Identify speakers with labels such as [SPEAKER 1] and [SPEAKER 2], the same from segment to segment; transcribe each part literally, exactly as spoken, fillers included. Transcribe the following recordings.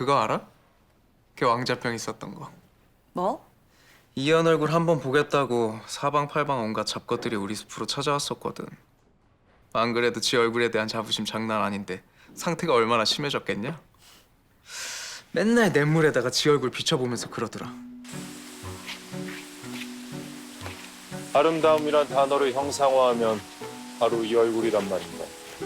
[SPEAKER 1] 그거 알아? 걔 왕자병 있었던 거.
[SPEAKER 2] 뭐?
[SPEAKER 1] 이현 얼굴 한번 보겠다고 사방팔방 온갖 잡것들이 우리 숲으로 찾아왔었거든. 안 그래도 지 얼굴에 대한 자부심 장난 아닌데 상태가 얼마나 심해졌겠냐? 맨날 냇물에다가 지 얼굴 비춰보면서 그러더라.
[SPEAKER 3] 아름다움이란 단어를 형상화하면 바로 이 얼굴이란 말인가.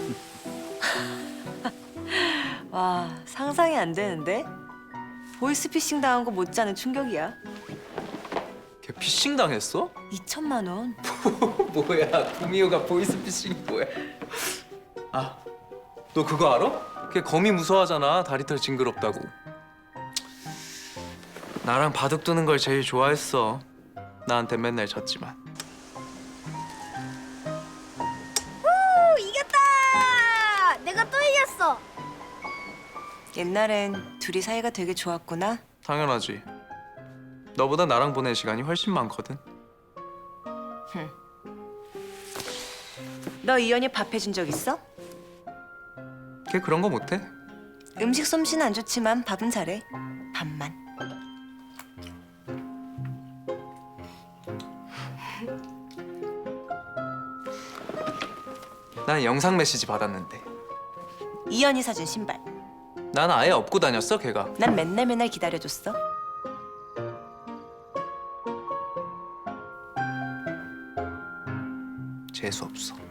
[SPEAKER 2] 와, 상상이 안 되는데? 보이스피싱 당한 거 못지않은 충격이야.
[SPEAKER 1] 걔 피싱 당했어?
[SPEAKER 2] 이천만 원.
[SPEAKER 1] 뭐야, 구미호가 보이스피싱이 뭐야? 아, 너 그거 알아? 걔 거미 무서워하잖아, 다리털 징그럽다고. 나랑 바둑 두는 걸 제일 좋아했어. 나한테 맨날 졌지만.
[SPEAKER 4] 오, 이겼다! 내가 또 이겼어.
[SPEAKER 2] 옛날엔 둘이 사이가 되게 좋았구나.
[SPEAKER 1] 당연하지. 너보다 나랑 보낸 시간이 훨씬 많거든.
[SPEAKER 2] 너 이현이 밥 해준 적 있어?
[SPEAKER 1] 걔 그런 거 못해.
[SPEAKER 2] 음식 솜씨는 안 좋지만 밥은 잘해. 밥만.
[SPEAKER 1] 난 영상 메시지 받았는데.
[SPEAKER 2] 이현이 사준 신발.
[SPEAKER 1] 난 아예 업고 다녔어, 걔가.
[SPEAKER 2] 난 맨날 맨날 기다려줬어.
[SPEAKER 1] 재수 없어.